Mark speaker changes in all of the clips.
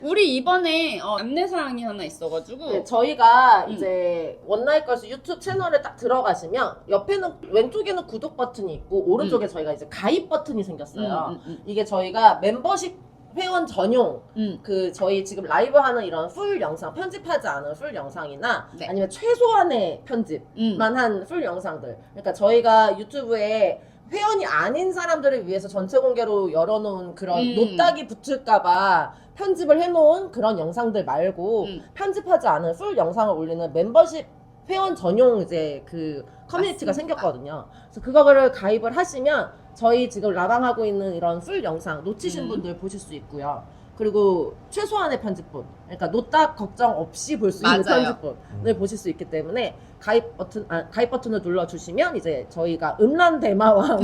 Speaker 1: 우리 이번에 안내사항이 하나 있어가지고
Speaker 2: 네, 저희가 이제 원나잇걸스 유튜브 채널에 딱 들어가시면 옆에는 왼쪽에는 구독 버튼이 있고 오른쪽에 저희가 이제 가입 버튼이 생겼어요. 이게 저희가 membership 회원 전용 그 저희 지금 라이브 하는 이런 풀 영상 편집하지 않은 풀 영상이나
Speaker 1: 네.
Speaker 2: 아니면 최소한의 편집만 한 풀 영상들, 그러니까 저희가 유튜브에 회원이 아닌 사람들을 위해서 전체 공개로 열어놓은 그런 노딱이 붙을까봐 편집을 해놓은 그런 영상들 말고 편집하지 않은 풀 영상을 올리는 멤버십 회원 전용 이제 그 커뮤니티가
Speaker 1: 맞습니다.
Speaker 2: 생겼거든요. 그래서 그거를 가입을 하시면 저희 지금 라방하고 있는 이런 풀 영상 놓치신 분들 보실 수 있고요. 그리고 최소한의 편집본, 그러니까 노딱 걱정 없이 볼 수 있는
Speaker 1: 맞아요.
Speaker 2: 편집본을 보실 수 있기 때문에 가입 버튼을 눌러주시면 이제 저희가 음란 대마왕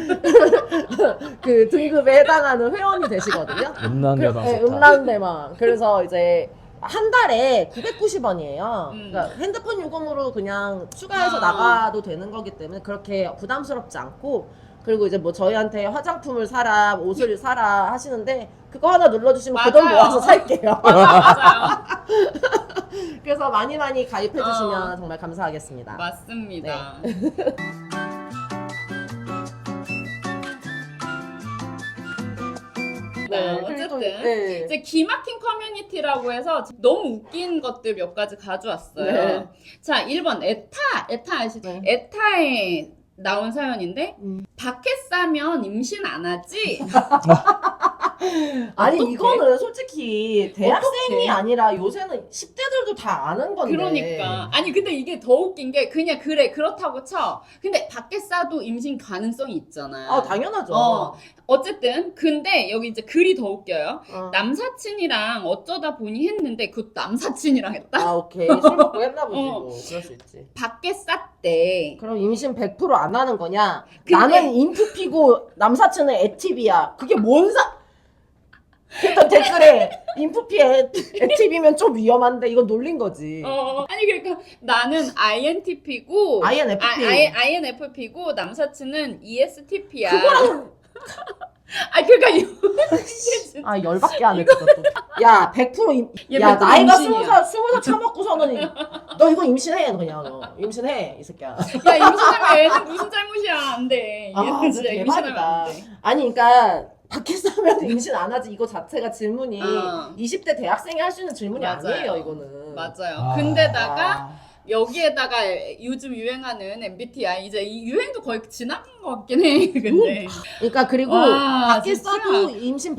Speaker 2: 그 등급에 해당하는 회원이 되시거든요.
Speaker 3: 음란 대마왕
Speaker 2: 네,
Speaker 3: 좋다.
Speaker 2: 음란 대마왕. 그래서 이제 한 달에 990원이에요. 그러니까 핸드폰 요금으로 그냥 추가해서 나가도 되는 거기 때문에 그렇게 부담스럽지 않고, 그리고 이제 뭐 저희한테 화장품을 사라, 옷을 사라 하시는데 그거 하나 눌러주시면 그 돈
Speaker 1: 맞아요.
Speaker 2: 모아서 살게요.
Speaker 1: 맞아요.
Speaker 2: 그래서 많이 가입해주시면 정말 감사하겠습니다.
Speaker 1: 맞습니다. 어쨌든
Speaker 2: 네.
Speaker 1: 이제 기막힌 커뮤니티라고 해서 너무 웃긴 것들 몇 가지 가져왔어요.
Speaker 2: 네.
Speaker 1: 자, 1번 에타 아시죠?
Speaker 2: 네.
Speaker 1: 에타에 나온 사연인데 밖에 싸면 임신 안 하지?
Speaker 2: 아니
Speaker 1: 어떡해?
Speaker 2: 이거는 솔직히 대학생이
Speaker 1: 어떡해?
Speaker 2: 아니라 요새는 10대들도 다 아는 건데.
Speaker 1: 그러니까 아니 근데 이게 더 웃긴 게 그냥 그래 그렇다고 쳐. 근데 밖에 싸도 임신 가능성이 있잖아요.
Speaker 2: 아 당연하죠.
Speaker 1: 어쨌든 근데 여기 이제 글이 더 웃겨요.
Speaker 2: 어.
Speaker 1: 남사친이랑 어쩌다 보니 했는데 그 남사친이랑 했다.
Speaker 2: 아 오케이 술 먹고 했나 보지
Speaker 1: 어.
Speaker 2: 뭐. 그럴 수 있지.
Speaker 1: 밖에 쌌대.
Speaker 2: 그럼 임신 100%안 하는 거냐?
Speaker 1: 근데-
Speaker 2: 나는 인프 피고 남사친은 애티비야. 그게 뭔 일단 댓글에 인프피 애티비면 좀 위험한데 이건 놀린 거지.
Speaker 1: 아니 그러니까 나는 INTP고
Speaker 2: INFP.
Speaker 1: INFP고 남사친은 ESTP야.
Speaker 2: 그거랑
Speaker 1: 그러니까
Speaker 2: 아 열받게 하네 그것도. 야 100%
Speaker 1: 얘
Speaker 2: 야
Speaker 1: 100%
Speaker 2: 나이가
Speaker 1: 임신이야.
Speaker 2: 20살 처먹고서는 너 이거 임신해 그냥 너 임신해 이 새끼야.
Speaker 1: 야 임신하면 애는 무슨 잘못이야 안 돼.
Speaker 2: 아,
Speaker 1: 얘는 진짜
Speaker 2: 진짜
Speaker 1: 임신하면
Speaker 2: 대박이다.
Speaker 1: 안 돼.
Speaker 2: 아니 그러니까 밖에 싸면 임신 안 하지 이거 자체가 질문이 20대 대학생이 할 수 있는 질문이
Speaker 1: 맞아요.
Speaker 2: 아니에요 이거는.
Speaker 1: 맞아요. 근데다가 여기에다가 요즘 유행하는 MBTI 이제 이 유행도 거의 지나간 것 같긴 해. 근데
Speaker 2: 그러니까 그리고
Speaker 1: 와,
Speaker 2: 밖에
Speaker 1: 진짜.
Speaker 2: 싸도 임신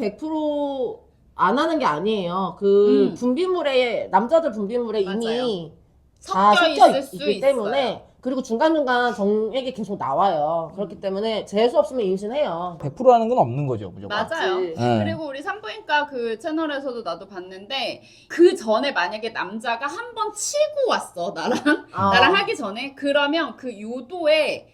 Speaker 2: 100%안 하는 게 아니에요. 그 분비물에 남자들 분비물에 이미 다
Speaker 1: 섞여
Speaker 2: 섞여
Speaker 1: 있을 수
Speaker 2: 있기
Speaker 1: 있어요.
Speaker 2: 때문에, 그리고 중간중간 정액이 계속 나와요. 그렇기 때문에 재수 없으면 임신해요.
Speaker 3: 100%라는 건 없는 거죠, 무조건.
Speaker 1: 맞아요.
Speaker 2: 맞지.
Speaker 3: 네.
Speaker 1: 그리고 우리 산부인과 그 채널에서도 나도 봤는데 그 전에 만약에 남자가 한 번 치고 왔어 나랑 하기 전에 그러면 그 요도에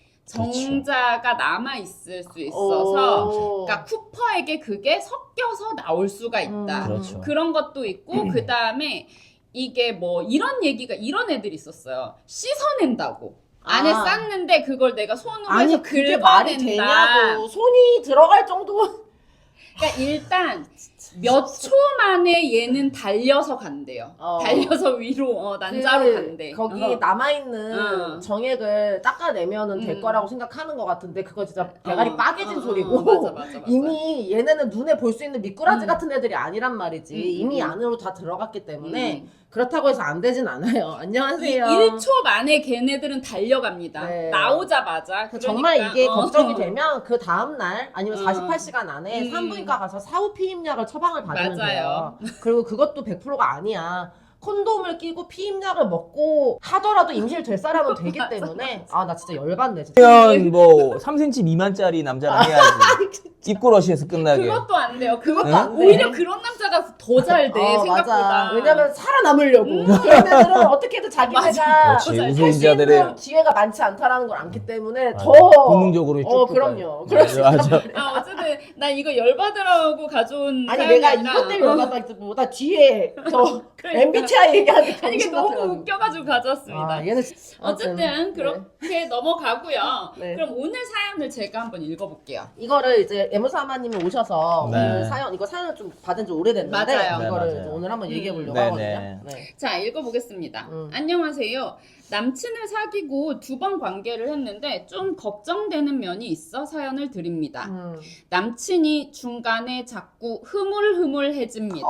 Speaker 1: 정자가 남아 있을 수 있어서 그러니까 쿠퍼에게 그게 섞여서 나올 수가 있다.
Speaker 3: 그렇죠.
Speaker 1: 그런 것도 있고 그 다음에 이게 뭐 이런 얘기가 이런 애들이 있었어요. 씻어낸다고. 안에 쌌는데 그걸 내가 손으로
Speaker 2: 아니
Speaker 1: 해서
Speaker 2: 그게 말이
Speaker 1: 긁어낸다.
Speaker 2: 되냐고. 손이 들어갈 정도.
Speaker 1: 그러니까 일단 몇 초 만에 얘는 달려서 간대요. 달려서 위로 난자로 간대.
Speaker 2: 거기 남아있는
Speaker 1: 어.
Speaker 2: 정액을 닦아내면은 될 거라고 생각하는 것 같은데 그거 진짜 대가리 빠개진 소리고.
Speaker 1: 맞아.
Speaker 2: 이미 얘네는 눈에 볼 수 있는 미꾸라지 같은 애들이 아니란 말이지. 이미 안으로 다 들어갔기 때문에 그렇다고 해서 안 되진 않아요. 안녕하세요.
Speaker 1: 1초 만에 걔네들은 달려갑니다.
Speaker 2: 네.
Speaker 1: 나오자마자. 그러니까,
Speaker 2: 정말 이게 걱정이 되면 그 다음날 아니면 48시간 안에
Speaker 1: 음.
Speaker 2: 산부인과 가서 사후 피임약을 처방을 받으면
Speaker 1: 맞아요.
Speaker 2: 돼요. 그리고 그것도 100%가 아니야. 콘돔을 끼고 피임약을 먹고 하더라도 임신을 될 사람은 되기 때문에 아 나 진짜 열받네 진짜.
Speaker 3: 그러면 뭐 3cm 미만짜리 남자랑 해야지. 입구러시에서 끝나게.
Speaker 1: 그것도 안 돼요. 그것도
Speaker 3: 응?
Speaker 1: 안 돼. 오히려 그런 남자가 더 잘 돼. 생각보다.
Speaker 2: 맞아. 왜냐면 살아남으려고. 얘네들은 어떻게든 자기네가
Speaker 3: 그렇지.
Speaker 2: 할 수
Speaker 3: 우수인자들의
Speaker 2: 있는 기회가 많지 않다라는 걸 알기 때문에
Speaker 3: 맞아.
Speaker 2: 더
Speaker 3: 본능적으로 쭉
Speaker 2: 그럼요.
Speaker 3: 맞아.
Speaker 1: 어쨌든 나 이거 열받으라고 가져온
Speaker 2: 아니
Speaker 1: 사연이
Speaker 2: 내가
Speaker 1: 아니라
Speaker 2: 이것 때문에 열받았기보다 뒤에 저
Speaker 1: 그러니까.
Speaker 2: MBTI 얘기하니까
Speaker 1: 아니 이게
Speaker 2: 정신
Speaker 1: 너무
Speaker 2: 같아가지고.
Speaker 1: 웃겨가지고 가져왔습니다.
Speaker 2: 아, 얘는
Speaker 1: 어쨌든 그렇게 넘어가고요.
Speaker 2: 네.
Speaker 1: 그럼 오늘 사연을 제가 한번 읽어볼게요.
Speaker 2: 이거를 이제 애무사마님이 오셔서
Speaker 3: 네.
Speaker 2: 오늘 사연을 좀 받은 지 오래됐는데
Speaker 1: 맞아요.
Speaker 2: 이거를
Speaker 3: 네, 맞아요.
Speaker 2: 이제 오늘 한번 얘기해 보려고
Speaker 3: 네,
Speaker 2: 하거든요.
Speaker 3: 네.
Speaker 2: 네.
Speaker 1: 자, 읽어보겠습니다. 안녕하세요. 남친을 사귀고 2번 관계를 했는데 좀 걱정되는 면이 있어 사연을 드립니다. 남친이 중간에 자꾸 흐물흐물해집니다.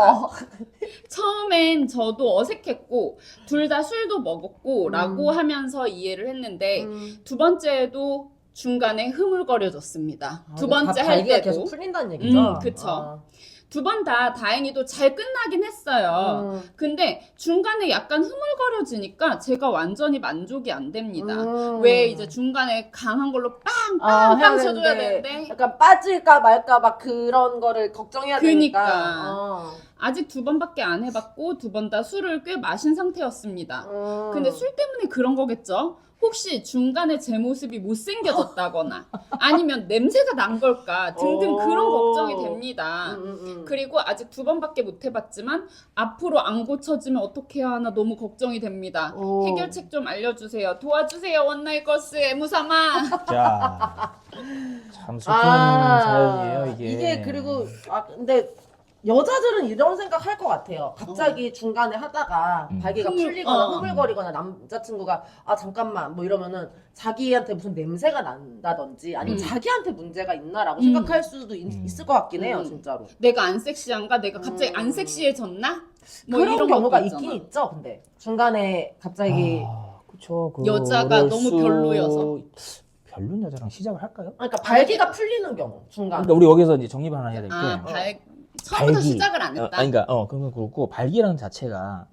Speaker 1: 처음엔 저도 어색했고 둘 다 술도 먹었고 라고 하면서 이해를 했는데 두 번째에도 중간에 흐물거려졌습니다. 두 번째 할
Speaker 2: 발기가
Speaker 1: 때도.
Speaker 2: 계속 풀린다는 얘기죠.
Speaker 1: 그쵸. 두 번 다 다행히도 잘 끝나긴 했어요. 근데 중간에 약간 흐물거려지니까 제가 완전히 만족이 안 됩니다. 왜 이제 중간에 강한 걸로 빵빵빵 쳐줘야 되는데
Speaker 2: 약간 빠질까 말까 막 그런 거를 걱정해야 되니까.
Speaker 1: 그니까. 아직 2번밖에 안 해봤고 2번 다 술을 꽤 마신 상태였습니다. 근데 술 때문에 그런 거겠죠? 혹시 중간에 제 모습이 못생겨졌다거나 아니면 냄새가 난 걸까 등등 그런 걱정이 됩니다. 그리고 아직 2번밖에 못 해봤지만 앞으로 안 고쳐지면 어떻게 해야 하나 너무 걱정이 됩니다. 해결책 좀 알려주세요. 도와주세요. 원나잇걸스 애무삼아.
Speaker 3: 자, 참 슬픈 사연이에요 이게.
Speaker 2: 이게 그리고 근데 여자들은 이런 생각 할 것 같아요. 갑자기 중간에 하다가 발기가 풀리거나 흐물거리거나 남자친구가 잠깐만 뭐 이러면은 자기한테 무슨 냄새가 난다든지 아니면 자기한테 문제가 있나라고 생각할 수도 있을 것 같긴 해요, 진짜로.
Speaker 1: 내가 안 섹시한가? 내가 갑자기 안 섹시해졌나? 뭐
Speaker 2: 그런
Speaker 1: 이런
Speaker 2: 경우가
Speaker 1: 것도 있잖아.
Speaker 2: 있긴 있죠, 근데 중간에 갑자기
Speaker 3: 그쵸.
Speaker 1: 여자가 너무 별로여서.
Speaker 3: 별론 여자랑 시작을 할까요?
Speaker 2: 그러니까 발기가 풀리는 경우 중간.
Speaker 3: 그러니까 우리 여기서 이제 정립 하나 해야 될 게.
Speaker 1: 처음부터
Speaker 3: 발기.
Speaker 1: 시작을 안 했다.
Speaker 3: 그러니까 그건 그렇고 발기라는 자체가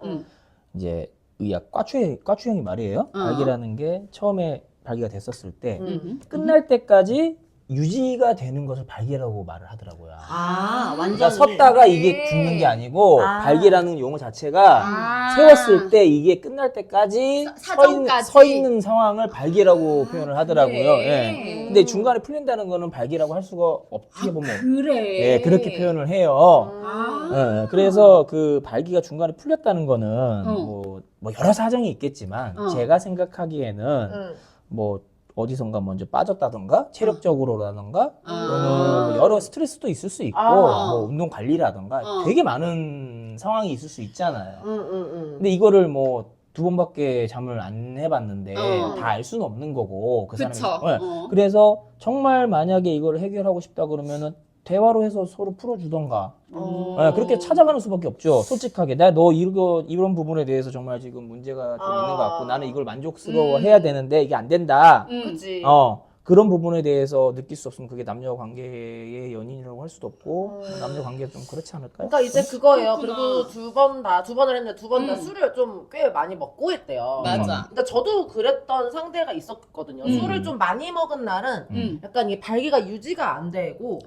Speaker 3: 이제 의학 과추형이 말이에요. 발기라는 게 처음에 발기가 됐었을 때 끝날 때까지 유지가 되는 것을 발기라고 말을 하더라고요.
Speaker 2: 완전
Speaker 3: 그러니까 섰다가 이게 죽는 게 아니고 발기라는 용어 자체가 세웠을 때 이게 끝날 때까지
Speaker 1: 사정까지.
Speaker 3: 서 있는 상황을 발기라고 표현을 하더라고요.
Speaker 1: 그래.
Speaker 3: 예. 근데 중간에 풀린다는 거는 발기라고 할 수가 어떻게 보면
Speaker 1: 그래.
Speaker 3: 예, 그렇게 표현을 해요. 예, 그래서 그 발기가 중간에 풀렸다는 거는 뭐 여러 사정이 있겠지만 제가 생각하기에는 뭐 어디선가 먼저 빠졌다던가 체력적으로라던가 또는 뭐 여러 스트레스도 있을 수 있고 뭐 운동 관리라던가 되게 많은 상황이 있을 수 있잖아요. 근데 이거를 뭐 2번밖에 잠을 안 해봤는데 다 알 수는 없는 거고 그
Speaker 1: 그쵸.
Speaker 3: 사람이. 그래서 정말 만약에 이걸 해결하고 싶다 그러면은 대화로 해서 서로 풀어주던가. 그렇게 찾아가는 수밖에 없죠. 솔직하게. 너 이런 부분에 대해서 정말 지금 문제가 좀 있는 것 같고 나는 이걸 만족스러워 해야 되는데 이게 안 된다.
Speaker 2: 그치.
Speaker 3: 그런 부분에 대해서 느낄 수 없으면 그게 남녀 관계의 연인이라고 할 수도 없고 남녀 관계가 좀 그렇지 않을까요?
Speaker 2: 그러니까 이제 그거예요.
Speaker 1: 그렇구나.
Speaker 2: 그리고 두 번을 했는데 두 번 다 술을 좀 꽤 많이 먹고 했대요.
Speaker 1: 맞아.
Speaker 2: 근데 저도 그랬던 상대가 있었거든요. 술을 좀 많이 먹은 날은 약간 이 발기가 유지가 안 되고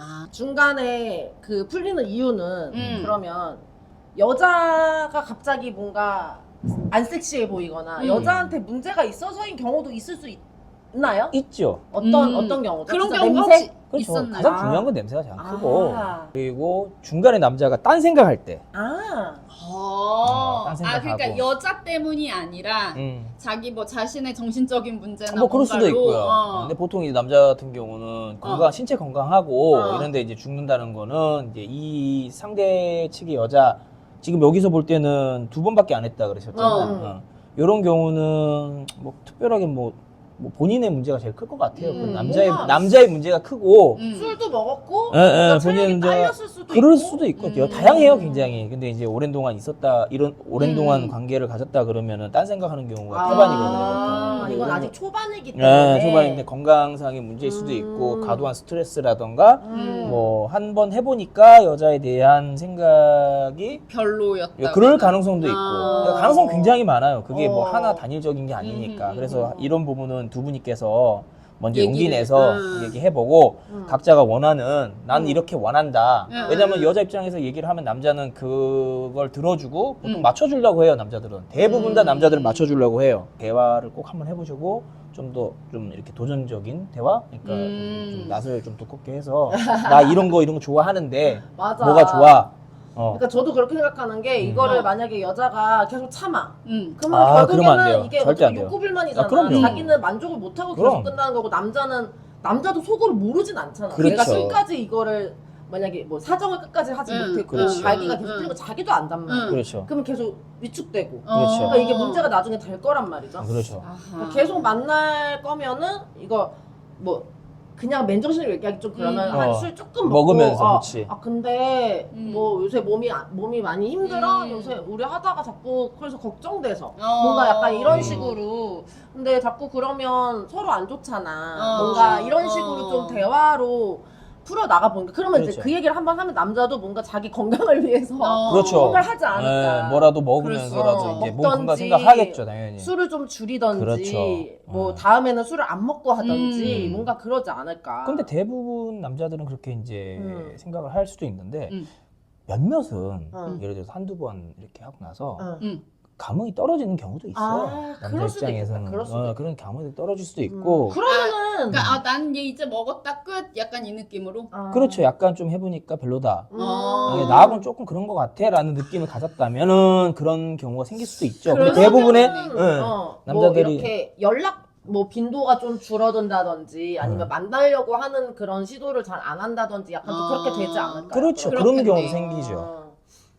Speaker 2: 중간에 그 풀리는 이유는 그러면 여자가 갑자기 뭔가 안 섹시해 보이거나 여자한테 문제가 있어서인 경우도 있을 수 있나요?
Speaker 3: 있죠.
Speaker 2: 어떤 경우죠?
Speaker 1: 그런
Speaker 2: 진짜
Speaker 1: 경우가
Speaker 2: 냄새?
Speaker 1: 혹시
Speaker 3: 그렇죠.
Speaker 1: 있었나요?
Speaker 3: 가장 중요한 건 냄새가 잘 크고
Speaker 2: 아.
Speaker 3: 그리고 중간에 남자가 딴 생각할 때 딴 생각하고.
Speaker 1: 그러니까 여자 때문이 아니라 자기 뭐 자신의 정신적인 문제나
Speaker 3: 뭐 그럴 수도
Speaker 1: 뭔가로,
Speaker 3: 있고요. 근데 보통 이제 남자 같은 경우는 신체 건강하고 이런데 이제 죽는다는 거는 이제 이 상대 측의 여자 지금 여기서 볼 때는 2번밖에 안 했다 그러셨잖아요. 이런 경우는 뭐 특별하게 뭐 본인의 문제가 제일 클 것 같아요. 그 남자의 문제가 크고
Speaker 2: 술도 먹었고
Speaker 3: 본인의
Speaker 2: 체력이
Speaker 3: 문제가
Speaker 2: 딸렸을 수도
Speaker 3: 그럴
Speaker 2: 있고.
Speaker 3: 수도 있거든요. 다양해요, 굉장히. 근데 이제 오랜 동안 오랜 동안 관계를 가졌다 그러면은 딴 생각하는 경우가 태반이거든요. 보통.
Speaker 2: 이건 아직 초반이기 때문에.
Speaker 3: 네, 초반인데 건강상의 문제일 수도 있고 과도한 스트레스라던가 뭐 한 번 해보니까 여자에 대한 생각이
Speaker 1: 별로였다.
Speaker 3: 그럴 가능성도 있고 그러니까 가능성 굉장히 많아요. 그게 뭐 하나 단일적인 게 아니니까. 그래서 이런 부분은 두 분이께서 먼저 용기 내서 얘기해보고 각자가 원하는 난 이렇게 원한다. 왜냐면 여자 입장에서 얘기를 하면 남자는 그걸 들어주고 보통 맞춰주려고 해요. 남자들은 대부분 다 남자들은 맞춰주려고 해요. 대화를 꼭 한번 해보시고 좀 더 좀 이렇게 도전적인 대화, 그러니까 좀 낯을 좀 두껍게 해서 나 이런 거 좋아하는데
Speaker 2: 맞아.
Speaker 3: 뭐가 좋아?
Speaker 2: 그러니까 저도 그렇게 생각하는 게 이거를 만약에 여자가 계속 참아. 그러면
Speaker 3: 그러면 안
Speaker 2: 결국에는
Speaker 3: 돼요.
Speaker 2: 이게
Speaker 3: 절대 안
Speaker 2: 어떻게
Speaker 3: 돼요.
Speaker 2: 욕구불만이잖아.
Speaker 3: 그럼요.
Speaker 2: 자기는 만족을 못하고
Speaker 3: 그럼.
Speaker 2: 계속 끝나는 거고 남자도 속으로 모르진 않잖아.
Speaker 3: 그렇죠.
Speaker 2: 내가 끝까지 이거를 만약에 뭐 사정을 끝까지 하지 못했고
Speaker 3: 그렇죠.
Speaker 2: 자기가 계속 풀리고 자기도 안 담는
Speaker 3: 그렇죠.
Speaker 2: 그러면 계속 위축되고
Speaker 3: 그렇죠.
Speaker 2: 그러니까 이게 문제가 나중에 될 거란 말이죠.
Speaker 3: 그렇죠.
Speaker 2: 계속 만날 거면은 이거 뭐 그냥 맨정신으로 얘기하기 좀 그러면 한 술 조금 먹고
Speaker 3: 먹으면서 그렇지.
Speaker 2: 근데 뭐 요새 몸이 많이 힘들어 요새 우리 하다가 자꾸 그래서 걱정돼서 뭔가 약간 이런 식으로 근데 자꾸 그러면 서로 안 좋잖아 뭔가 이런 식으로 좀 대화로 풀어 나가 보니까 그러면
Speaker 3: 그렇죠.
Speaker 2: 이제 그 얘기를 한번 하면 남자도 뭔가 자기 건강을 위해서
Speaker 3: 그렇죠.
Speaker 2: 뭔가를 하지 않을까.
Speaker 3: 네, 뭐라도 먹으면서라도
Speaker 2: 그렇죠.
Speaker 3: 이제 몸
Speaker 2: 먹던지,
Speaker 3: 건강 생각하겠죠, 당연히.
Speaker 2: 술을 좀 줄이던지
Speaker 3: 그렇죠.
Speaker 2: 뭐 다음에는 술을 안 먹고 하던지
Speaker 3: 음.
Speaker 2: 뭔가 그러지 않을까.
Speaker 3: 근데 대부분 남자들은 그렇게 이제 생각을 할 수도 있는데 몇몇은 예를 들어서 한두 번 이렇게 하고 나서 감흥이 떨어지는 경우도 있어요. 남자
Speaker 2: 그럴 수도
Speaker 3: 입장에서는
Speaker 2: 있겠다. 그럴 수도 있겠다.
Speaker 3: 그런 감흥이 떨어질 수도 있고
Speaker 2: 그러면은
Speaker 1: 그러니까 난 얘 이제 먹었다 끝 약간 이 느낌으로.
Speaker 3: 그렇죠. 약간 좀 해보니까 별로다.
Speaker 1: 어.
Speaker 3: 나하고는 조금 그런 것 같아 라는 느낌을 가졌다면은 그런 경우가 생길 수도 있죠. 근데
Speaker 1: 그럴
Speaker 3: 대부분의
Speaker 1: 수도
Speaker 2: 뭐
Speaker 3: 남자들이
Speaker 2: 이렇게 연락 뭐 빈도가 좀 줄어든다든지 아니면 만나려고 하는 그런 시도를 잘 안 한다든지 약간 좀 그렇게 되지 않을까.
Speaker 3: 그렇죠.
Speaker 1: 그렇겠네.
Speaker 3: 그런 경우도 생기죠.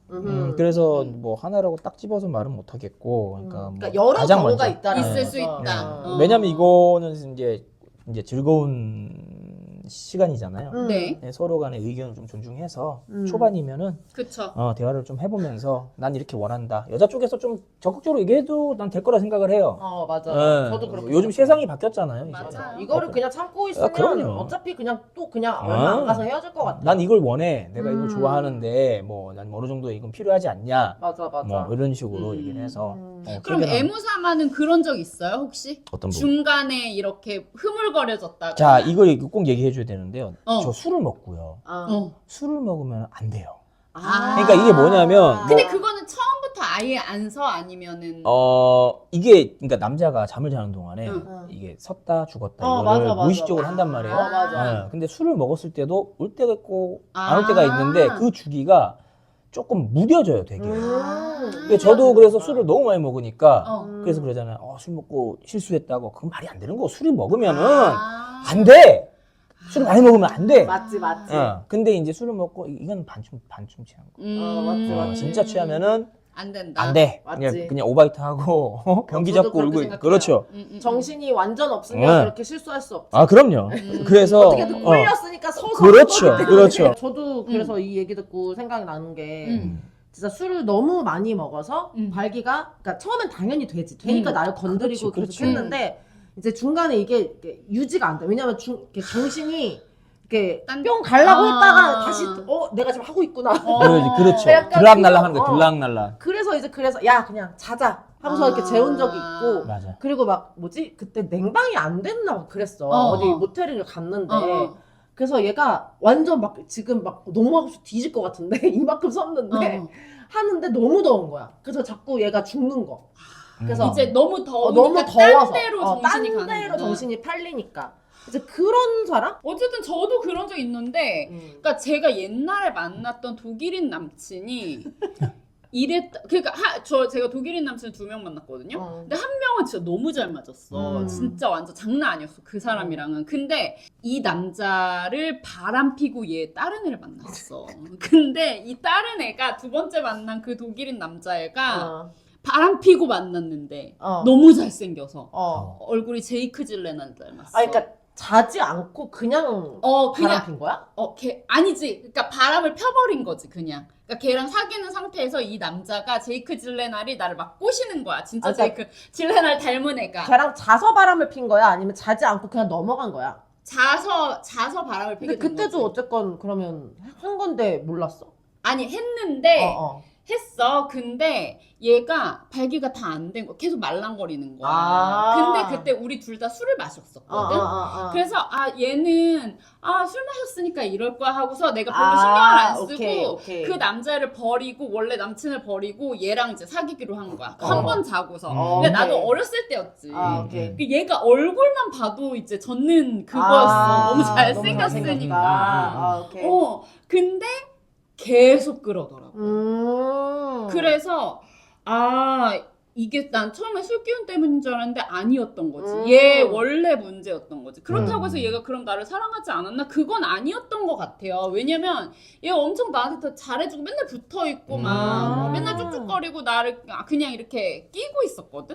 Speaker 3: 그래서 뭐 하나라고 딱 집어서 말은 못 하겠고, 그러니까, 뭐
Speaker 2: 그러니까 여러
Speaker 3: 가장
Speaker 2: 경우가
Speaker 3: 먼저.
Speaker 2: 있다는
Speaker 1: 있을
Speaker 2: 거죠.
Speaker 1: 수 있다.
Speaker 3: 왜냐면 이거는 이제 즐거운 시간이잖아요.
Speaker 1: 네.
Speaker 3: 네, 서로 간의 의견을 좀 존중해서 초반이면은
Speaker 1: 그쵸.
Speaker 3: 대화를 좀 해보면서 난 이렇게 원한다. 여자 쪽에서 좀 적극적으로 얘기해도 난 될 거라 생각을 해요.
Speaker 2: 맞아.
Speaker 3: 네.
Speaker 2: 저도 그렇게
Speaker 3: 요즘
Speaker 2: 생각해요.
Speaker 3: 세상이 바뀌었잖아요. 이제.
Speaker 1: 맞아요.
Speaker 2: 이거를 그냥 참고 있으면
Speaker 3: 그럼요.
Speaker 2: 어차피 그냥 얼마 안 가서 헤어질 것 같아.
Speaker 3: 난 이걸 원해. 내가 이걸 좋아하는데 뭐 난 어느 정도 이건 필요하지 않냐.
Speaker 2: 맞아.
Speaker 3: 뭐 이런 식으로 얘기를 해서.
Speaker 1: 그럼
Speaker 3: 퇴근하고.
Speaker 1: 애무사마는 그런 적 있어요 혹시?
Speaker 3: 어떤 부분?
Speaker 1: 중간에 이렇게 흐물거려졌다가.
Speaker 3: 자, 이걸 꼭 얘기해줘야 되는데요.
Speaker 1: 어.
Speaker 3: 저 술을 먹고요. 술을 먹으면 안 돼요. 그러니까 이게 뭐냐면
Speaker 1: 근데 그거는 처음부터 아예 안 서 아니면은.
Speaker 3: 이게 그러니까 남자가 잠을 자는 동안에 이게 섰다 죽었다 이거를
Speaker 2: 맞아.
Speaker 3: 무의식적으로 한단 말이에요.
Speaker 2: 맞아.
Speaker 3: 근데 술을 먹었을 때도 올 때가 있고 안 올 때가 있는데 그 주기가 조금 무뎌져요, 되게. 근데 저도 그래서 술을 너무 많이 먹으니까 그래서 그러잖아요. 술 먹고 실수했다고. 그건 말이 안 되는 거. 술을 먹으면은 안 돼. 술을 많이 먹으면 안 돼.
Speaker 2: 맞지.
Speaker 3: 근데 이제 술을 먹고 이건 반쯤 취한 거.
Speaker 2: 맞지.
Speaker 3: 진짜 취하면은
Speaker 1: 안 된다.
Speaker 3: 안 돼.
Speaker 2: 맞지.
Speaker 3: 그냥 오바이트 하고 변기
Speaker 2: 저도
Speaker 3: 잡고
Speaker 2: 그렇게
Speaker 3: 울고
Speaker 2: 생각해요.
Speaker 3: 그렇죠.
Speaker 2: 정신이 완전 없으면
Speaker 3: 네.
Speaker 2: 그렇게 실수할 수 없지.
Speaker 3: 그럼요. 그래서
Speaker 2: 어떻게든 꿀렸으니까 서서
Speaker 3: 그렇죠.
Speaker 2: 한 거기 때문에.
Speaker 3: 그렇죠.
Speaker 2: 저도 그래서 이 얘기 듣고 생각이 나는 게 진짜 술을 너무 많이 먹어서 발기가 그러니까 처음엔 당연히 되니까 나를 건드리고
Speaker 3: 그렇지,
Speaker 2: 계속 했는데 이제 중간에 이게 유지가 안 돼. 왜냐면 이렇게 정신이 이렇게 뿅 가려고 했다가 다시 내가 지금 하고 있구나.
Speaker 3: 그렇죠.
Speaker 2: 약간
Speaker 3: 들락날락 하는
Speaker 2: 그거,
Speaker 3: 거예요. 들락날락.
Speaker 2: 그래서 야 그냥 자자 하고서 이렇게 재운 적이 있고
Speaker 3: 맞아.
Speaker 2: 그리고 막 뭐지 그때 냉방이 안 됐나 막 그랬어. 어디 모텔을 갔는데 그래서 얘가 완전 막 지금 막 너무 하고 싶어 뒤질 것 같은데 이만큼 섰는데 하는데 너무 더운 거야. 그래서 자꾸 얘가 죽는 거. 그래서
Speaker 1: 이제 너무 더우니까
Speaker 2: 너무 더워서
Speaker 1: 딴 데로 정신이
Speaker 2: 딴
Speaker 1: 가는
Speaker 2: 데로
Speaker 1: 거구나.
Speaker 2: 정신이 팔리니까 이제 그런 사람?
Speaker 1: 어쨌든 저도 그런 적 있는데 그러니까 제가 옛날에 만났던 독일인 남친이 그러니까 제가 독일인 남친을 2명 만났거든요. 근데 한 명은 진짜 너무 잘 맞았어. 진짜 완전 장난 아니었어. 그 사람이랑은. 근데 이 남자를 바람 피고 얘 다른 애를 만났어. 근데 이 다른 애가 두 번째 만난 그 독일인 남자애가 바람 피고 만났는데 너무 잘생겨서 얼굴이 제이크 질레날 닮았어.
Speaker 2: 그러니까 자지 않고 그냥 바람 핀 거야?
Speaker 1: 아니지. 그러니까 바람을 펴버린 거지 그냥. 그러니까 걔랑 사귀는 상태에서 이 남자가 제이크 질레날이 나를 막 꼬시는 거야. 진짜 제이크 질레날 닮은 애가.
Speaker 2: 걔랑 자서 바람을 핀 거야? 아니면 자지 않고 그냥 넘어간 거야?
Speaker 1: 자서 바람을 피게
Speaker 2: 근데
Speaker 1: 된
Speaker 2: 그때도
Speaker 1: 거지.
Speaker 2: 어쨌건 그러면 한 건데 몰랐어?
Speaker 1: 아니 했는데 했어. 근데 얘가 발기가 다 안 된 거야. 계속 말랑거리는 거야. 근데 그때 우리 둘 다 술을 마셨었거든. 그래서 얘는 술 마셨으니까 이럴 거야 하고서 내가 별로 신경을 안 쓰고
Speaker 2: 오케이.
Speaker 1: 그 남자를 버리고 원래 남친을 버리고 얘랑 이제 사귀기로 한 거야. 한 번 자고서. 근데
Speaker 2: 오케이.
Speaker 1: 나도 어렸을 때였지.
Speaker 2: 오케이.
Speaker 1: 그 얘가 얼굴만 봐도 이제 젖는 그거였어. 너무 잘생겼으니까.
Speaker 2: 오케이.
Speaker 1: 근데 계속 그러더라고. 그래서 이게 난 처음에 술 기운 때문인 줄 알았는데 아니었던 거지. 얘 원래 문제였던 거지. 그렇다고 해서 얘가 그럼 나를 사랑하지 않았나? 그건 아니었던 것 같아요. 왜냐면 얘가 엄청 나한테 더 잘해주고 맨날 붙어있고 막 맨날 쭉쭉거리고 나를 그냥 이렇게 끼고 있었거든?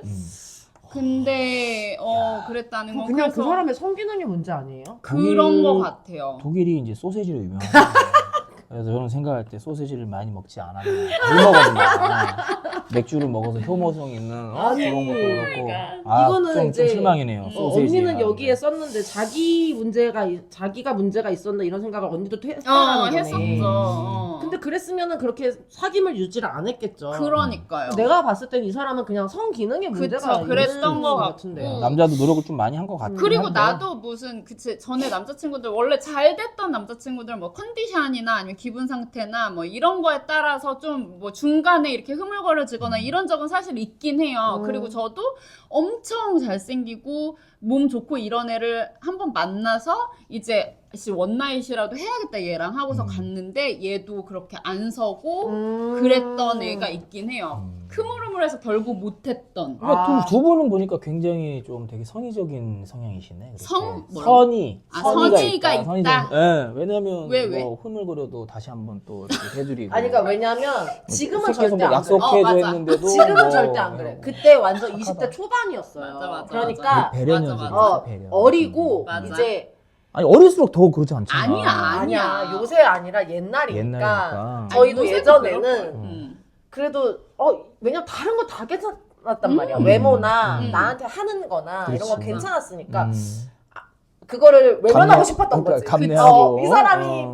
Speaker 1: 근데 그랬다는 건
Speaker 2: 그냥
Speaker 1: 그래서
Speaker 2: 그 사람의 성기능이 문제 아니에요?
Speaker 1: 그런 것 같아요.
Speaker 3: 독일이 이제 소세지로 유명하잖아요. 그래서 저는 생각할 때 소세지를 많이 먹지 않았나. 물 먹었나. 맥주를 먹어서 효모성 있는 그런 것도 그렇고.
Speaker 2: 이거는
Speaker 3: 좀 실망이네요. 소세지.
Speaker 2: 언니는 여기에 썼는데 자기가 문제가 있었나 이런 생각을 언니도 했다는 거네.
Speaker 1: 했었죠.
Speaker 2: 근데 그랬으면은 그렇게 사귐을 유지를 안 했겠죠.
Speaker 1: 그러니까요.
Speaker 2: 내가 봤을 땐 이 사람은 그냥 성기능의 문제가
Speaker 1: 그랬던 것
Speaker 2: 같은데요.
Speaker 3: 남자도 노력을 좀 많이 한 것 같아요.
Speaker 1: 그리고 나도 무슨 전에 남자친구들 원래 잘 됐던 남자친구들 뭐 컨디션이나 아니면 기분 상태나 뭐 이런 거에 따라서 좀 뭐 중간에 이렇게 흐물거려지거나 이런 적은 사실 있긴 해요. 그리고 저도 엄청 잘생기고 몸 좋고 이런 애를 한번 만나서 이제 원나잇이라도 해야겠다 얘랑 하고서 갔는데 얘도 그렇게 안 서고 그랬던 애가 있긴 해요. 흐물흐물해서 결국 못했던.
Speaker 3: 그러니까 두 분은 보니까 굉장히 좀 되게 선의적인 성향이시네. 그렇게.
Speaker 1: 선의가 있다.
Speaker 3: 네, 왜냐면
Speaker 1: 왜?
Speaker 3: 뭐 흐물거려도 다시 한번 또 이렇게 해드리고.
Speaker 2: 아니 그러니까 왜냐면 지금은
Speaker 3: 계속
Speaker 2: 절대 안 그래.
Speaker 3: 약속해줘
Speaker 1: 맞아.
Speaker 3: 했는데도
Speaker 2: 지금은
Speaker 3: 뭐
Speaker 2: 절대 안 그래. 그때 완전 20대 초반이었어요.
Speaker 1: 맞아.
Speaker 2: 그러니까
Speaker 3: 배려녀지.
Speaker 1: 맞아.
Speaker 3: 배려.
Speaker 2: 어리고
Speaker 1: 맞아.
Speaker 2: 이제
Speaker 3: 아니 어릴수록 더 그렇지 않잖아.
Speaker 1: 아니야.
Speaker 2: 요새 아니라 옛날이니까.
Speaker 3: 옛날이니까.
Speaker 2: 저희도
Speaker 1: 요새도
Speaker 2: 예전에는 그래도 왜냐면 다른 거 다 괜찮았단 말이야. 외모나 나한테 하는 거나 이런 거
Speaker 3: 그렇지.
Speaker 2: 괜찮았으니까 그거를 외면하고 싶었던 거지.
Speaker 3: 감내하고.
Speaker 2: 이 사람이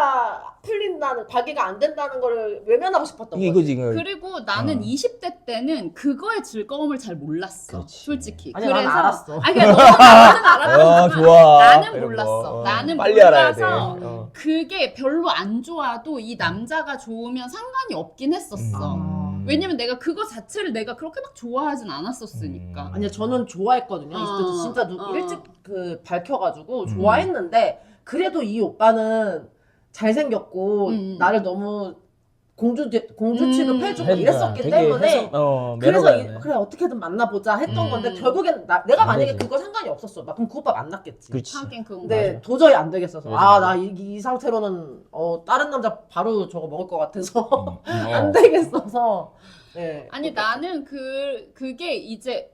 Speaker 2: 발기가 안 된다는 거를 외면하고 싶었던
Speaker 3: 이게
Speaker 2: 거지.
Speaker 3: 이거지.
Speaker 1: 그리고 나는 20대 때는 그거의 즐거움을 잘 몰랐어.
Speaker 3: 그렇지.
Speaker 1: 솔직히.
Speaker 2: 아니, 난 알았어.
Speaker 1: 아니, 그러니까 나는 알았지만
Speaker 3: 좋아.
Speaker 1: 나는
Speaker 3: 이런
Speaker 1: 몰랐어.
Speaker 3: 거.
Speaker 1: 나는
Speaker 3: 빨리 알아야
Speaker 1: 몰라서
Speaker 3: 돼.
Speaker 1: 그게 별로 안 좋아도 이 남자가 좋으면 상관이 없긴 했었어. 왜냐면 내가 그거 자체를 내가 그렇게 막 좋아하진 않았었으니까.
Speaker 2: 아니요, 저는 좋아했거든요. 20대 때 진짜 일찍 밝혀가지고 좋아했는데 그래도 이 오빠는 잘생겼고 나를 너무 공주 취급해주고 이랬었기 때문에 그래서 그래 어떻게든 만나보자 했던 건데 결국엔 내가 만약에 그거 상관이 없었어. 막 그럼 그 오빠 만났겠지.
Speaker 3: 그렇지.
Speaker 1: 하긴 그건
Speaker 2: 근데
Speaker 1: 맞아.
Speaker 2: 도저히 안 되겠어서
Speaker 3: 맞아.
Speaker 2: 나 이 상태로는 다른 남자 바로 저거 먹을 것 같아서 안 되겠어서. 네.
Speaker 1: 아니 나는 그게 이제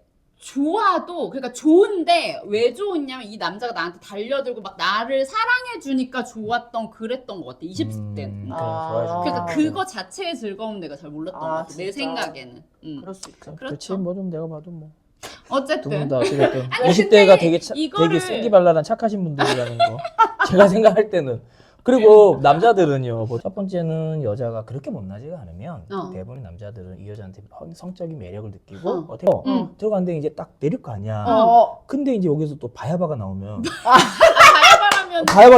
Speaker 1: 좋아도 그러니까 좋은데 왜 좋았냐면 이 남자가 나한테 달려들고 막 나를 사랑해 주니까 좋았던 그랬던 것 같아 20대는. 그러니까 그거 자체의 즐거움 내가 잘 몰랐던 것 같아 내
Speaker 2: 진짜.
Speaker 1: 생각에는.
Speaker 2: 그럴 수 있죠.
Speaker 3: 그렇지.
Speaker 1: 그렇죠.
Speaker 3: 뭐 좀 내가 봐도 뭐.
Speaker 1: 어쨌든
Speaker 3: 두분 다 어쨌든
Speaker 1: 아니,
Speaker 3: 20대가 되게
Speaker 1: 이거를-
Speaker 3: 되게 생기발랄한 착하신 분들이라는 거 제가 생각할 때는. 그리고 남자들은요, 뭐 첫 번째는 여자가 그렇게 못나지가 않으면 대부분 남자들은 이 여자한테 성적인 매력을 느끼고 어떻게 들어갔는데 이제 딱 내릴 거 아니야. 근데 이제 여기서 또 바야바가 나오면
Speaker 1: 바야바라면
Speaker 3: 바야바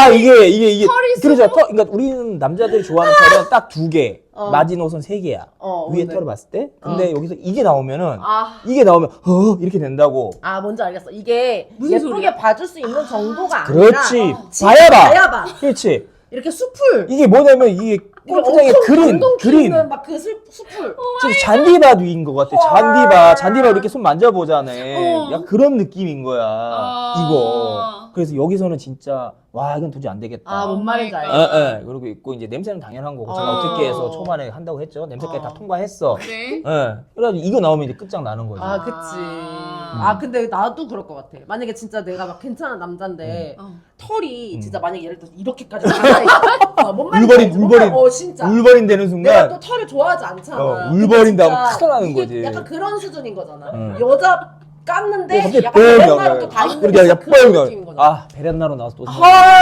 Speaker 3: 이게
Speaker 1: 털이
Speaker 3: 그러죠. 그러니까 우리는 남자들이 좋아하는 털은 딱 2개, 마지노선 3개야. 위에
Speaker 2: 네.
Speaker 3: 털을 봤을 때. 근데 여기서 이게 나오면은
Speaker 2: 아.
Speaker 3: 이게 나오면 이렇게 된다고.
Speaker 2: 뭔지 알겠어. 이게
Speaker 1: 무슨
Speaker 2: 예쁘게
Speaker 1: 소리야?
Speaker 2: 봐줄 수 있는 정도가
Speaker 3: 그렇지.
Speaker 2: 아니라
Speaker 3: 바야바.
Speaker 2: 바야바.
Speaker 3: 그렇지.
Speaker 2: 이렇게 숲을
Speaker 3: 이게 뭐냐면 이게 골프장의 그린.
Speaker 2: 막 그 숲을.
Speaker 3: 진짜 잔디바 위인 것 같아. 잔디바 이렇게 손 만져보잖아. 약간 그런 느낌인 거야. 이거. 그래서 여기서는 진짜 와 이건 도저히 안 되겠다.
Speaker 2: 뭔 말인지 알겠어.
Speaker 3: 그리고 있고 이제 냄새는 당연한 거고 제가 어떻게 해서 초반에 한다고 했죠. 냄새까지 다 통과했어.
Speaker 1: 그래?
Speaker 3: 그래가지고 이거 나오면 이제 끝장나는 거지.
Speaker 2: 그치. 근데 나도 그럴 것 같아. 만약에 진짜 내가 막 괜찮은 남잔데 털이 진짜 만약에 예를 들어서 이렇게까지 많아. 뭔 말인지 알지?
Speaker 3: 울버린.
Speaker 2: 진짜.
Speaker 3: 울버린 되는
Speaker 2: 내가
Speaker 3: 순간
Speaker 2: 또 털을 좋아하지 않잖아.
Speaker 3: 울버린 다음
Speaker 2: 진짜
Speaker 3: 큰일 나는
Speaker 2: 이게
Speaker 3: 거지.
Speaker 2: 약간 그런 수준인 거잖아. 여자 깠는데
Speaker 3: 갑자기
Speaker 2: 약간 베렌나로 또 다 있는
Speaker 3: 그렇게
Speaker 2: 그런 느낌인 거잖아.
Speaker 3: 베렌나로 나와서 또
Speaker 2: 헐.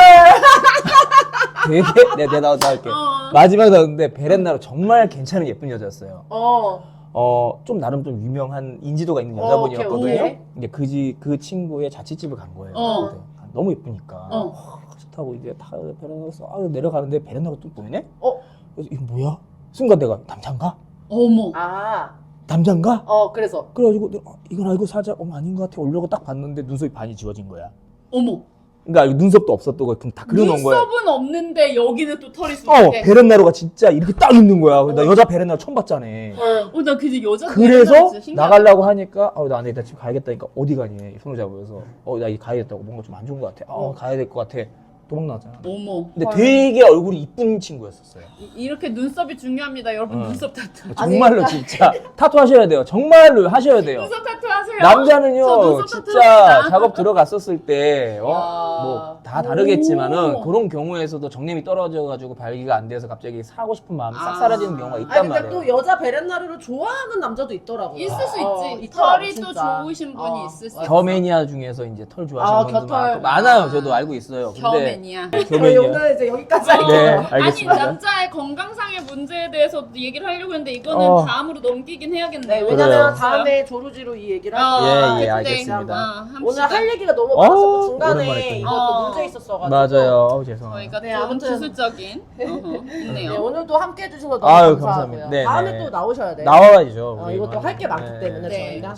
Speaker 3: 되게 내가 나올게. 마지막에 나왔는데 베렌나로 정말 괜찮은 예쁜 여자였어요. 좀 나름 좀 유명한 인지도가 있는 여자분이었거든요.
Speaker 2: 오케이.
Speaker 3: 근데 그 친구의 자취집을 간 거예요. 근데 너무 예쁘니까 좋다고 이제 다 베렌나로 내려가는데 베렌나로 또 보이네. 그래서 이거 뭐야? 순간 내가 남잔가?
Speaker 1: 어머.
Speaker 3: 남잔가?
Speaker 2: 그래서
Speaker 3: 그래가지고 이건 알고 살짝 아닌 것 같아 올려고 딱 봤는데 눈썹이 반이 지워진 거야.
Speaker 1: 어머.
Speaker 3: 그러니까 눈썹도 없었고 다 그려놓은 거야.
Speaker 1: 눈썹은 없는데 여기는 또 털이 수북해.
Speaker 3: 베렌나루가 진짜 이렇게 딱 있는 거야. 나 여자 베렌나루 처음 봤잖아.
Speaker 1: 나 그래서 여자
Speaker 3: 그래서
Speaker 1: 진짜 신기하다.
Speaker 3: 나가려고 하니까 나 안 돼, 나 지금 가야겠다니까 어디 가니? 손을 잡으면서 나 이제 가야겠다고 뭔가 좀 안 좋은 것 같아. 가야 될 것 같아. 도망 나왔잖아.
Speaker 1: 어머.
Speaker 3: 근데 되게 얼굴이 이쁜 친구였었어요.
Speaker 1: 이렇게 눈썹이 중요합니다. 여러분 눈썹 타투.
Speaker 3: 정말로 진짜 타투 하셔야 돼요. 정말로 하셔야 돼요.
Speaker 1: 눈썹 타투 하세요. 저
Speaker 3: 남자는요
Speaker 1: 눈썹
Speaker 3: 진짜
Speaker 1: 타투합니다.
Speaker 3: 작업 들어갔었을 때
Speaker 1: 야.
Speaker 3: 뭐 다 다르겠지만은
Speaker 1: 오.
Speaker 3: 그런 경우에서도 정림이 떨어져가지고 발기가 안 돼서 갑자기 사고 싶은 마음이 싹
Speaker 1: 아.
Speaker 3: 사라지는 경우가 있단
Speaker 2: 아니 근데
Speaker 3: 말이에요.
Speaker 2: 또 여자 베렌나루를 좋아하는 남자도 있더라고요.
Speaker 1: 있을 수 있지.
Speaker 2: 있더라고,
Speaker 1: 털이 또
Speaker 2: 진짜.
Speaker 1: 좋으신 분이 있을 수 있어.
Speaker 3: 겨매니아 중에서 이제 털 좋아하시는
Speaker 2: 아,
Speaker 3: 분들
Speaker 2: 겨털.
Speaker 3: 많아요. 저도 알고 있어요. 근데
Speaker 1: 겨매니아.
Speaker 2: 저희
Speaker 3: 겨매니아.
Speaker 2: 오늘 이제 여기까지
Speaker 1: 어.
Speaker 2: 할게요.
Speaker 3: 네,
Speaker 1: 아니
Speaker 3: 알겠습니다.
Speaker 1: 남자의 건강상의 문제에 대해서 얘기를 하려고 했는데 이거는
Speaker 3: 어.
Speaker 1: 다음으로 넘기긴
Speaker 2: 네,
Speaker 1: 해야겠네요.
Speaker 2: 왜냐면
Speaker 3: 그래요.
Speaker 2: 다음에 조루지로 이 얘기를
Speaker 1: 어,
Speaker 2: 할게요.
Speaker 3: 예,
Speaker 1: 그때,
Speaker 3: 알겠습니다.
Speaker 2: 오늘 할 얘기가 너무
Speaker 3: 어,
Speaker 2: 많았었고
Speaker 3: 오랜만에
Speaker 2: 중간에
Speaker 3: 했더니.
Speaker 2: 이것도 문제 있었어가지고
Speaker 3: 맞아요. 죄송합니다.
Speaker 1: 저희가
Speaker 2: 네,
Speaker 1: 조금
Speaker 2: 아무튼.
Speaker 1: 기술적인 있네요.
Speaker 2: 네, 오늘도 함께 해주셔서 너무
Speaker 3: 아유,
Speaker 2: 감사하고요.
Speaker 3: 감사합니다. 네,
Speaker 2: 다음에
Speaker 3: 네.
Speaker 2: 또 나오셔야 돼요.
Speaker 3: 나와야죠. 우리.
Speaker 2: 이것도 할 게 많기
Speaker 3: 네.
Speaker 2: 때문에
Speaker 1: 네.
Speaker 2: 저희가.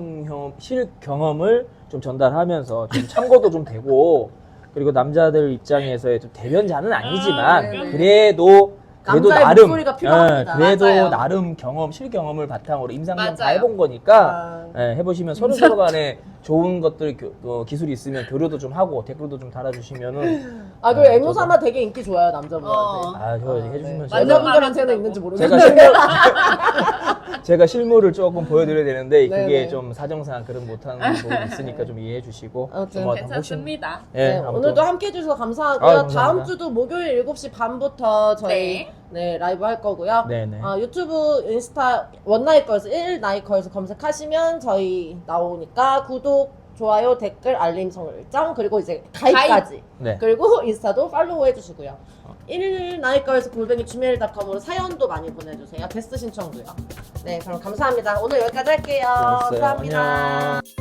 Speaker 3: 실경험을 좀 전달하면서 좀 참고도 좀 되고 그리고 남자들 입장에서의 좀 대변자는 아니지만
Speaker 2: 네네.
Speaker 3: 그래도
Speaker 2: 남자의
Speaker 3: 나름
Speaker 2: 목소리가 필요합니다.
Speaker 3: 그래도
Speaker 1: 맞아요.
Speaker 3: 나름 실경험을 바탕으로 임상경 다
Speaker 1: 맞아요.
Speaker 3: 해본 거니까
Speaker 2: 아,
Speaker 3: 해보시면 서로 간에 좋은 것들 기술이 있으면 교류도 좀 하고 댓글도 좀 달아주시면은
Speaker 2: 그리고 앵무사마 되게 인기 좋아요 남자분들한테.
Speaker 3: 저 해주시면
Speaker 1: 맞아.
Speaker 2: 여자분들한테는 있는지
Speaker 3: 제가
Speaker 2: 모르겠는데.
Speaker 3: 제가 실물을 조금 보여드려야 되는데 그게
Speaker 2: 네네.
Speaker 3: 좀 사정상 그런 못하는 부분이 있으니까 좀 이해해 주시고
Speaker 2: 아무튼
Speaker 3: 좀
Speaker 1: 괜찮습니다.
Speaker 2: 네,
Speaker 3: 아무튼
Speaker 2: 오늘도 함께 해주셔서 감사하고요.
Speaker 3: 감사합니다.
Speaker 2: 다음 주도 목요일 7시 반부터 저희
Speaker 1: 네.
Speaker 2: 라이브 할 거고요.
Speaker 3: 네네
Speaker 2: 유튜브, 인스타 원나잇걸스 1나잇걸스 검색하시면 저희 나오니까 구독, 좋아요, 댓글, 알림 설정 그리고 이제 가입까지
Speaker 3: 네.
Speaker 2: 그리고 인스타도 팔로우 해주시고요. 1나잇걸스 @gmail.com으로 사연도 많이 보내주세요. 게스트 신청도요. 네, 그럼 감사합니다. 오늘 여기까지 할게요.
Speaker 3: 수고하셨어요.
Speaker 2: 감사합니다.
Speaker 3: 안녕.